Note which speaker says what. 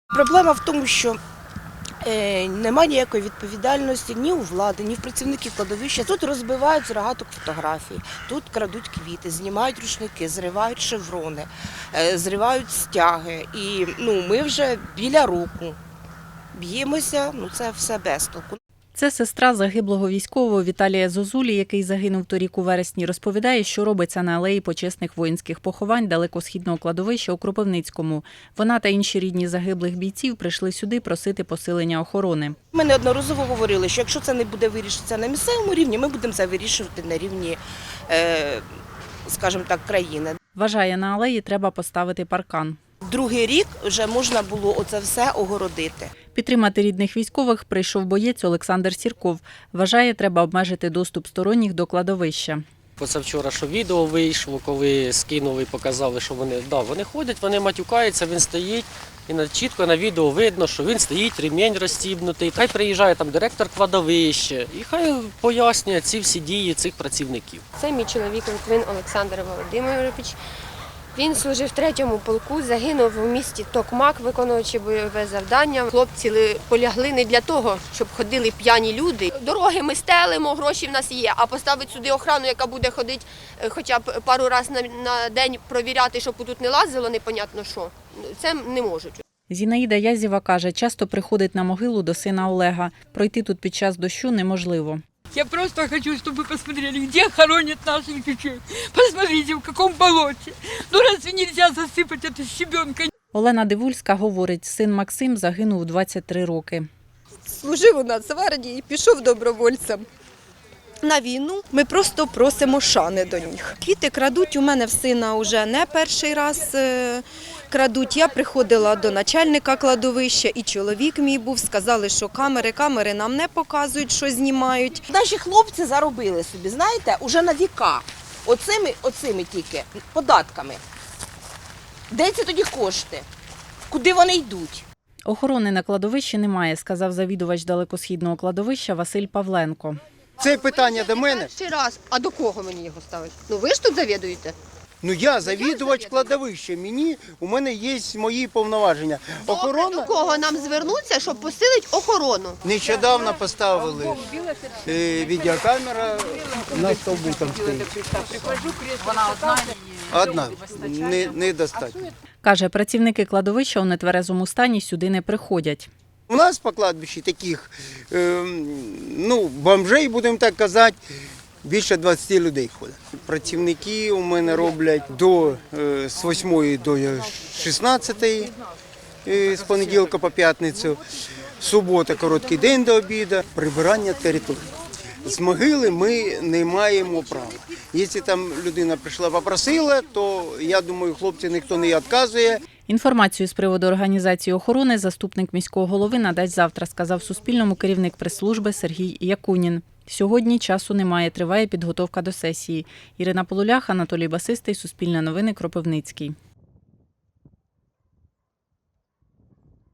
Speaker 1: Проблема в тому, що немає ніякої відповідальності ні у влади, ні в працівників кладовища. Тут розбивають з рогаток фотографій, тут крадуть квіти, знімають рушники, зривають шеврони, зривають стяги. І ми вже біля року б'ємося, це все без толку.
Speaker 2: Це сестра загиблого військового Віталія Зозулі, який загинув торік у вересні, розповідає, що робиться на алеї почесних воїнських поховань далекосхідного кладовища у Кропивницькому. Вона та інші рідні загиблих бійців прийшли сюди просити посилення охорони.
Speaker 1: Ми неодноразово говорили, що якщо це не буде вирішитися на місцевому рівні, ми будемо це вирішувати на рівні, скажімо так, країни.
Speaker 2: Вважає, на алеї треба поставити паркан.
Speaker 1: Другий рік вже можна було оце все огородити.
Speaker 2: Підтримати рідних військових прийшов боєць Олександр Сірков. Вважає, треба обмежити доступ сторонніх до кладовища.
Speaker 3: Позавчора, що відео вийшло, коли скинули і показали, що вони ходять, вони матюкаються, він стоїть. І чітко на відео видно, що він стоїть, ремінь розстібнутий. Хай приїжджає там директор кладовища і хай пояснює ці всі дії цих працівників.
Speaker 4: Це мій чоловік Литвин Олександр Володимирович. Він служив в 3-му полку, загинув у місті Токмак, виконуючи бойове завдання. Хлопці полягли не для того, щоб ходили п'яні люди. Дороги ми стелимо, гроші в нас є, а поставити сюди охрану, яка буде ходити хоча б пару разів на день провіряти, щоб тут не лазило, непонятно що. Це не можуть.
Speaker 2: Зінаїда Язєва каже, часто приходить на могилу до сина Олега. Пройти тут під час дощу неможливо.
Speaker 5: Я просто хочу, чтобы вы посмотрели, где хоронят наших детей. Посмотрите, в каком болоте. Разве нельзя засыпать это щебенка?
Speaker 2: Олена Дивульська говорить, син Максим загинув у 23 роки.
Speaker 6: Служив у Нацгвардії, пішов добровольцем на війну. Ми просто просимо шани до них. Квіти крадуть, у мене в сина вже не перший раз крадуть. Я приходила до начальника кладовища, і чоловік мій був, сказали, що камери нам не показують, що знімають.
Speaker 1: Наші хлопці заробили собі, знаєте, уже на віка, оцими тільки податками. Де ці тоді кошти? Куди вони йдуть?
Speaker 2: Охорони на кладовищі немає, сказав завідувач далекосхідного кладовища Василь Павленко.
Speaker 7: Це питання до мене.
Speaker 4: Ще раз, а до кого мені його ставити? Ви ж тут завідуєте?
Speaker 7: Я завідувач кладовища, у мене є мої повноваження.
Speaker 4: До кого нам звернутися, щоб посилити охорону?
Speaker 7: Нещодавно поставили відеокамера на стовбу там стоїть. Одна, недостатньо.
Speaker 2: Каже, працівники кладовища у нетверезому стані сюди не приходять.
Speaker 7: У нас по кладбищі таких, бомжей, будемо так казати, більше 20 людей ходить. Працівники у мене роблять з 8 до 16, з понеділка по п'ятницю, субота, короткий день до обіду, прибирання території. З могили ми не маємо права. Якщо там людина прийшла, попросила, то, я думаю, хлопці ніхто не відказує.
Speaker 2: Інформацію з приводу організації охорони заступник міського голови надасть завтра, сказав Суспільному керівник прес-служби Сергій Якунін. Сьогодні часу немає, триває підготовка до сесії. Ірина Полулях, Анатолій Басистий, Суспільне новини, Кропивницький.